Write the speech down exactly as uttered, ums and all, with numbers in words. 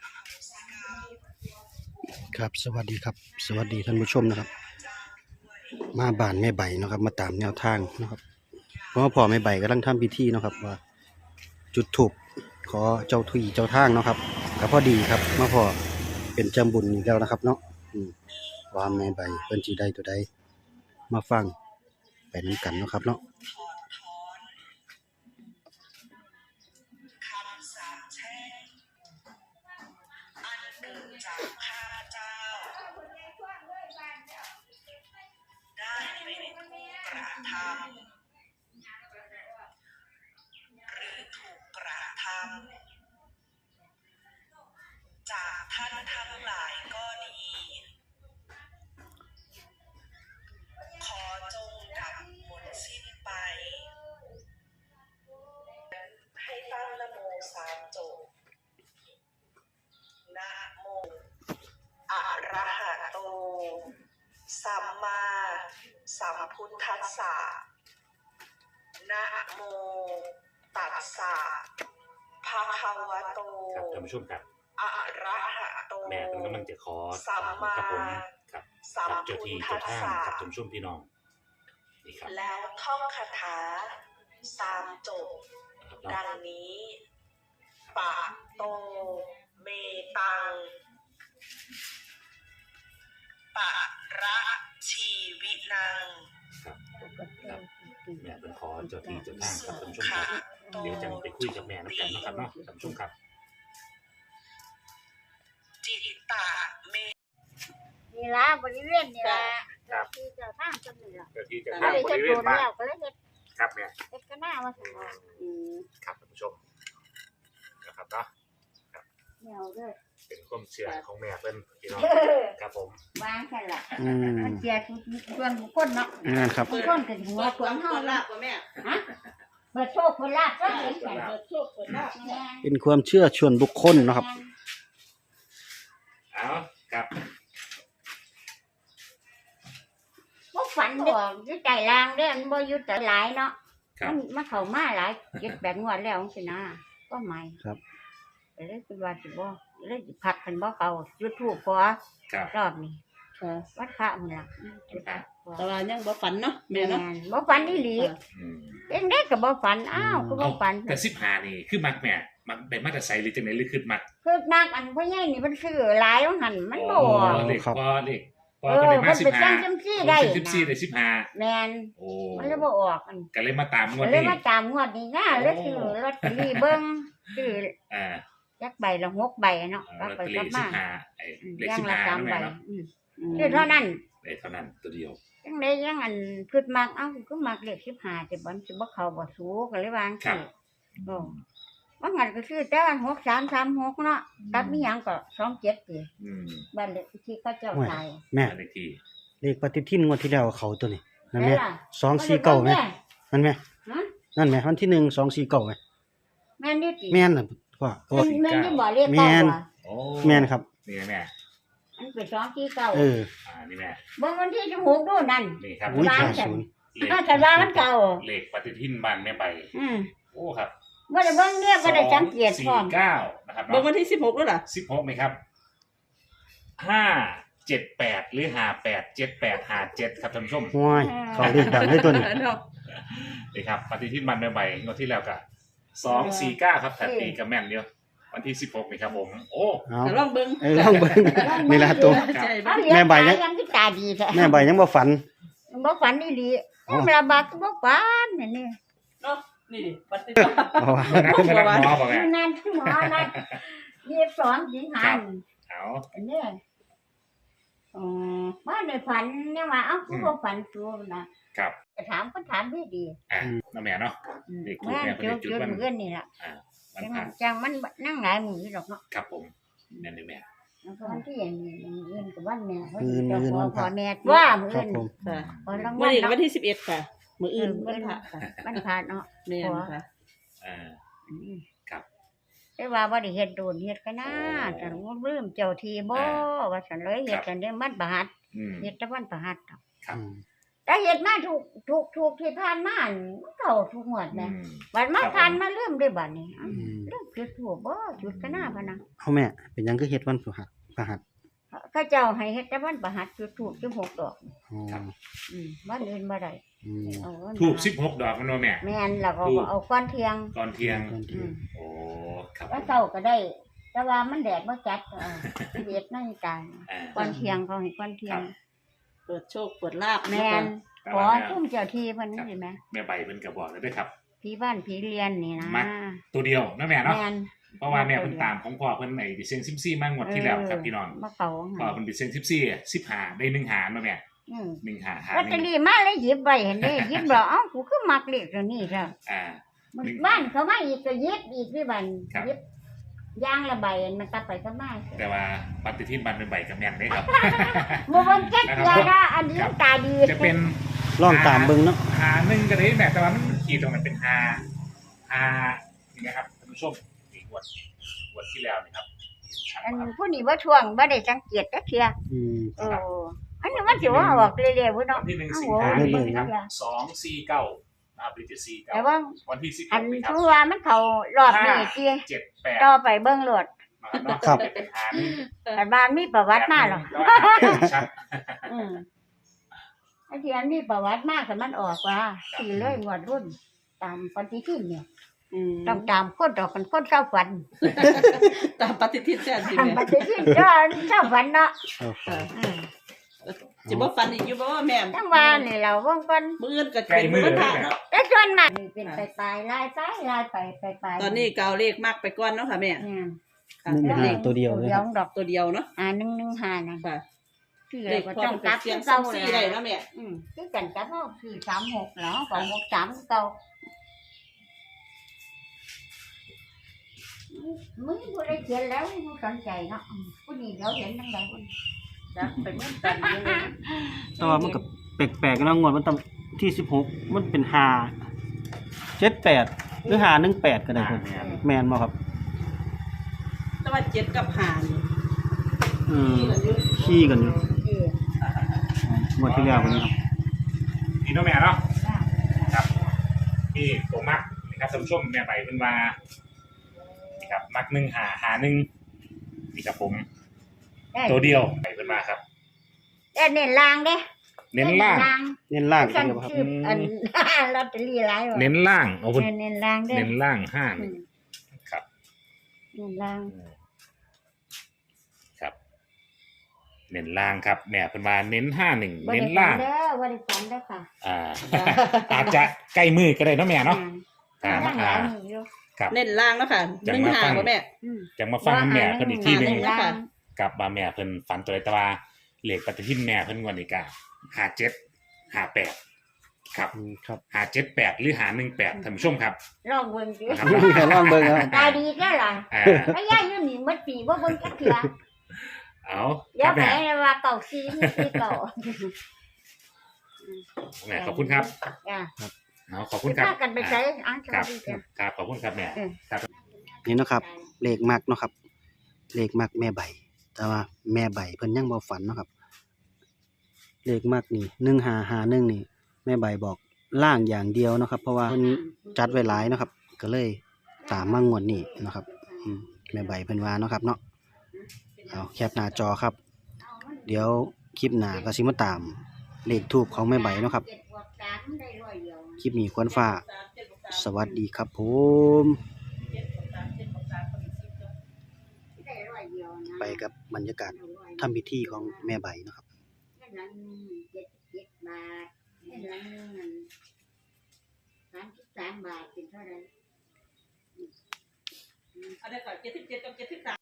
ครับสวัสดีครับสวัสดีท่านผู้ชมนะครับมาบ้านแม่ใบนะครับมาตามแนวทางนะครับเพราะว่าพ่อแม่ใบกำลังทำพิธีนะครับว่าจุดธูปขอเจ้าที่เจ้าทางเนาะครับก็พอดีครับมาพอเป็นจำบุญอีกแล้วนะครับเนาะอืมว่าแม่ใบเพิ่นสิได้ตัวใดมาฟังไปนํกันเนาะครับเนาะทำหรือถูกกระทำจากท่านทั้งหลายก็ดีขอจงดับหมดสิ้นไปให้ตั้งนะโมสามจบนะโมอะระหะโตสัมมาสัมพุทธัสสะนะโมตัสสะภะคะวะโตครับท่านผู้ชมครับอะระหะโตแม่เป็นกำลังจะขอสัมมาครับผมครับสัมกับเจ้าพุที่ทเจ้าธัสทางสะกับท่านผู้ชมพี่น้องนี่ครับแล้วท่องคาถาสามจบนะครับดัเนาะงนี้ปะโตเมตังปะระชีวินังครับครับแม่เป็นขอเจ้าที่เจ้าทางครับท่านผู้ชมคขารับโตเดี๋ยวจะไปคุยกับแม่น้ำกันนะครับเนาะท่านผู้ชมครับจิตตะเมนี่ละบริเวณนี่ละครับที่เจ้าทางจำนี่ละเจ้าที่เจ้าก็ทางเลยบเฮ็ดริเวโดณนบ้านแล้วก็เลยเฮ็ดครับแม่เฮ็ดก็น่าว่าซั่นว่าอืมครับท่านผู้ชมนะครับเนาะแนวเด้อเป็นความเชื่อของแม่เป็นพี่น้องครับผมวางซั่นล่ะอืมมันเสียทุกส่วนบุคคลเนาะนั่นครับบุคคลก็หัวสวนเฮาละแม่ฮะเปิดโชคเปิดลาภก็เห็นกันเปิดโชคเปิดลาภแม่นเป็นความเชื่อส่วนบุคคลเนาะครับเอาครับบ่ฝันดอกอยู่ใจลางเด้อมันบ่อยู่แต่หลายเนาะครัมับนมันเข้ามาหลายเจ็ดแปดงวดแล้วจังซี่นะก็ใหม่ครับก็เลยคิดว่าสิบ่เลยสิพักกันบ่เข้าจุดธูปขอครับรอบนี้ค่ะวัดพระพุ่นล่ะจุดธูปขอแต่ว่ายังบ่ฝันเนาะแม่แม่เนาะนบ่ฝันอีหลีอืมเองได้ก็บ่ฝันอ้าวก็บ่ฝันแต่สิบห้านี่คือมักแม่มักได้มาแต่ไสหรือจังได๋หรือคือมักคือนักอันพ่อใหญ่นี่มันซื้อหลายว่าหั่นมันบ่อ๋อออกเลขครับพอเลขพอเอก็อได้มัมาน สิไปบห้าจังจังซี่ได้สิบสี่ได้สิบห้าแม่นโอ้มันเลยบ่ออกอันก็เลยมาตามงวดเลยนี้มาตามงวดนี้นะแล้วซื้อลอตเตอรี่เบิ่งซื้ออ่าจักใบละหกใบเนาะลก็อตไปเตอรี่สิกลับมาบห้าไอ้อืมเลขย่าสิงบละห้าสามนั่นใบแหละเนาะอืมคือเท่านั้นได้เท่านั้นตัวเดียวจังได๋ยังอันคิดมักเอ้าก็มักเลขสิบห้าสิบ่สิบ่เข้าบ่สูก็เลยวางครัสิบโอ้ว่างั้นก็ซื้อแต่หกสามสามหกเนาะกับมีหยังก็สองเจ็ดสิอืมบ้านเลขที่เขาเจ้าตายแม่อันเลขที่เลขปฏิทินงวดที่แล้วเขาตัวนี้นั่นไหมได้ล่ะสองสี่เก้าไหมนั่นไหมฮะนั่นไหมวันที่หนึ่งสองสี่เก้าไหมแม่นนี่ติแม่นน่ะพ่อโอ้แม่นแม่นที่บ่เลขแม่เก้าน ว่ะโอ้แม่นครับนี่แม่อันเป็นสองที่เก้าเอออ่านี่แม่เบิ่งวันที่สิบหกดูนั่นนี่ครับอุ้ยร้านห้าฉันศูนย์เลขถ้าจะว่ามันเก่าเลขปฏิทินบ้านแม่ใบอืมโอ้ครับบ่ได้เบิ่งเนี่ยบ่ได้สังเกตพร้อมสี่เก้านะครับเบิ่งเนาะวันที่สิบหกแล้วล่ะสิบหกไหมครับห้าเจ็ดแปดหรือห้าแปดเจ็ดแปดห้าเจ็ดครับท่านผู้ชมห้วยเขาเลขดังเลยตัวนี้เนาะนี่ครับปฏิทินบันใบๆงวดที่แล้วก็สองสี่เก้าครับถัดปีกับแม่นเดียววันที่สิบหกนี่ครับผม โอ้เอาแต่ลองเบิ่งเออลองเบิ่งนี่ล่ะตัวใจเอาเบิ่งเลี้ยงแม่ใบตาเนี่ยยังคือตาดีแท้แม่ใบยังบ่ฝันบ่ฝันอีหลีอ๋อเวลาบักบ่ฝันนี่นี่เนาะนี่ดิปฏิเพราะว่าเมื่อนั้นเมื่อนั้นหมอบอกไงนั่นคือหมอนั่นยี่สิบสองสิงหาคมเอาอันนี้อ๋อบ่ได้ฝันเนี่ยว่าเอ้าคือบ่ฝันตัวนะครับ จะถามก็ถามดีดีอ่ะน้าแม่เนาะๆอืมเด็กเมื่อแม่เพิ่นจุได้ดจุดจุดวันเมื่อนี่ล่ะอ่าวันจังผ่านจังมันนั่งหลายหมู่อยู่ดอกเนาะครับผมแม่นเด้อแม่แล้วก็วันที่อย่างนี้เงินกับวันแม่มื้ออื่นมื้ออื่นวันพระพ่อแม่ว่ามื้อครัอื่บนผมค่ะพอรางวัวัน ลนี้ก็เนาะวันที่สิบเอ็ดค่ะ มื้ออื่นวันพระค่ะวันพระเนาะแม่นค่ะอ่าอืมครับแต่ว่าบ่ได้เฮ็ดโดนเฮ็ดกันนะโอ้แต่ว่าลืมเจ้าที่บ่อ่าว่าซั่นเลยเฮ็ดกันเด้อมันประหัดอืมเฮ็ดแต่วันประหัดดอกครับอืมแต่เฮ็ดมาถูกถูกถูกที่ผ่านมาอันมันเข้าทุกงวดอืแหม่มบัดมาครับผ่านมาลืมได้บัดนี้อ้าวอืมลืมจุดถูกบ่จุดก็น่าพะนะเฮาแม่เป็นหยังคือเฮ็ดวันพฤหัสพฤหัสเขาเจ้าให้เฮ็ดแต่วันประหัสจุดถูกสิบหกดอกอ๋ออืมวันอื่นบ่ได้อืมเอาวันถูกประหัสสิบหกดอกมันว่าแม่แม่นแล้วก็ถูกเอาก้อนเทียงก่อนเที่ยงก่อนอืเที่ยงมโอ้ครับว่าเช้าก็ได้ แต่ว่ามันแดดบ่จัดเออสิบเอ็ดนาฬิกาอ่าก้อนเทียงเขาให้ก้อนเทียงเปิดโชคเปิดลาบแม่นแต่ขอว่าแม่ทุ่มเจ้าที่เพิ่นนี่สิแม่แม่ใบเพิ่นก็บอกเลยด้วยครับพี่บ้านพี่เรียนนี่นะมัก ตัวเดียวนะแม่เนาะแม่นเพราะว่าแม่เพิ่นตามของพ่อเพิ่นไอ้ดิเซนซิมซี่มางวดที่แล้วครับพี่น้องมาเขาพ่อเพิ่นดิเซนซิมซี่สิบห้าได้หนึ่งหารมาแม่อืมหนึ่งหาหาลอตหเตอนึ่งรี่มาแล้วหยิบไว้เห็นเด้หยิบบ่เอ้ากูคือมักเลขตัวนี้ซะอ่ามันบ้านเขามาอีกก็หยิบอีกพี่บันครับหยิบย่างละใบมันกลับไปก็มาแต่ว่าปฏิทินบันเป็นใบกับแม่นได้ครับบ่เบิ่งแค่เดียวนะอันนี้ครับตาดีจะเป็นลองตามเบิ่งเนาะหาหนึ่งก็ได้แม่แต่ว่ามันขีดตรงนั้นเป็นหาหานี่นะครับท่านผู้ชมอีกวันวันที่แล้วนี่ครับชัดอันมากผู้นี้บ่ทวงบ่ได้สังเกตจักเที่ยอืมโอ้อันนี้มันสิว่าออกเรื่อยๆพุ่นวัเนาะนที่หนึ่งอ้าวสิงโหหาเรื่คอยมๆครับสองสี่เก้านะครับหรือเจ็ดสี่เก้าแต่ว่าวันที่สิบหอันกนี่ครับผู้ว่ามันเข้ารอบนี้ติเจ็ดแปดต่อไปเบิ่งโลดนะครับเนาะครับเป็นหาหนึ่งแต่บ้านมีประวัติมาหรอกแปดหนึ่งชัดอืมไอ้ที่อันมีประวัติมากคันมันออกว่าสิเลยงวดรุ่น ตามปฏิทินเนี่ยอืมต้องตามคนดอกกันคนเศร้าฝันตามปฏิทินแท้สิตามแม่ปฏิทินเจ้าเศร้าฝันเนาะเอาไปอืมสิบ่ฟันอีกอยู่บ่ว่าแม่จังว่านี่เราวงกันมื้ออื่นก็เป็นมื้อวันพระเนาะแต่ส่วนมากนี่เป็นไปปลายลายซ้ายลายไปไปไปตอนนี้ก็เอาเลขมากไปก่อนเนาะค่ะแม่เนี่ยค่ะหนึ่งเลหาขตัวเดียวเลยเดียวดอกตัวเดียวเนาะอ่าหนึ่งหนึ่งห้านะค่ะที่เลเราขก็พอต้องเป็นกลับเสียงเก่าซ้ำซี่ได้เนาะแม่อืมคือกันกับพ่อคือสามหกแล้วสองหกสามเก่ามึงผู้ใดเขียนแล้วมึงสนใจเนาะอืมผู้นี้เดี๋ยวเห็นทั้งหลายคนจ้ะไปเหมือนกันอยู่เลยแต่ว่ามันก็แปลกๆนะงวดมันต้องที่สิบหกมันเป็นห้าเจ็ดแปดหรือห้าหนึ่งแปดก็ได้คนแม่นบ่ครับแต่ว่าเจ็ดกับห้านี่อืมที่กันอยู่ขี้กันอยู่เอองวดที่แล้วคนนี้ครับนี่เนาะแม่เนาะจ้ะครับนี่ตัวมักนะครับท่านผู้ชมแม่ใบเป็นว่านี่ครับมักหนึ่งหาหาหนึ่งนี่ครับผมได้ตัวเดียวใบเป็นมาครับได้เน้นล่างเด้เน้นล่างล่างเน้นล่างฉันเดียวครับชื่ออัน ลอตเตอรี่หลายว่ะเน้นล่างเอาเอคุณอเน้นล่างเด้เน้นล่างห้าหอืนึ่งมครับเน้นล่างครับ เน้นล่างครับแม่เป็นว่าเน้นห้าหนึ่งบ่เน้ได้นฝัล่าน งเด้อบ่ได้ฝันเด้อค่ะอ่า อาจจะใกล้มือก็ได้เนาะแม่เนาะอ่าอ่านั่งหลายมืออยู่ครับเน้นล่างเนาะค่ะจังหนึ่งมาห้าฟังบ่แม่อืมจะมาฟังแม่เพิ่นอีกทีหนึงหาหนึ่งล่างกับมาแม่เพิ่นฝันตัวใดแต่ว่าเลขปฏิทินแม่เพิ่นงวดนี้ก็ห้าเจ็ดห้าแปดครับอืมครับห้าเจ็ดแปดหรือหาหนึ่งแปดท่านผู้ชมครับลองเบิ่งสิครับลองเบิ่งเอาตาดีแค่ล่ะอ่าไอ้ย่าอยู่นี่หมดปีบ่เบิ่งจักเทื่อเอาเดี๋คยรัวบไปแม่ว่าเก่าซีนี่คือเก่าแม่ขอบคุณครับจ้ะเอาขอบคุณครับพากันไปใช้อ่ะสครัวับสดีจ้ะครับขอบคุณครับแม่เออครับนี่เนาะครับ เลขมักเนาะครับ เลขมักแม่ใบ แต่ว่าแม่ใบเพิ่นยังบ่ฝันเนาะครับ เลขมักนี่หนึ่งห้าห้าหนึ่งนี่ แม่ใบบอกล่างอย่างเดียวเนาะครับ เพราะว่าเพิ่นจัดไว้หลายเนาะครับ ก็เลยตามมางวดนี้เนาะครับอืมแม่ใบเพิ่นว่าเนาะครับเนาะเอาแคปหน้าจอครับ เดี๋ยวคลิปหน้าก็สิมาตาม เลขทูปของแม่ใบเนาะครับเจ็ดบวกสามได้ร้อยเดียวคลิปนี้ควรฟ้า สวัสดีครับผมได้ร้อยเดียวนะไปกับบรรยากาศทำพิธีของแม่ใบเนาะครับเงินหลังหนึ่งเจ็ดสิบเจ็ดบาทเงินหลังหนึ่งสามสิบสามบาทเป็นเท่าไหร่อันนี้ก็เจ็ดสิบเจ็ดกับเจ็ดสิบสาม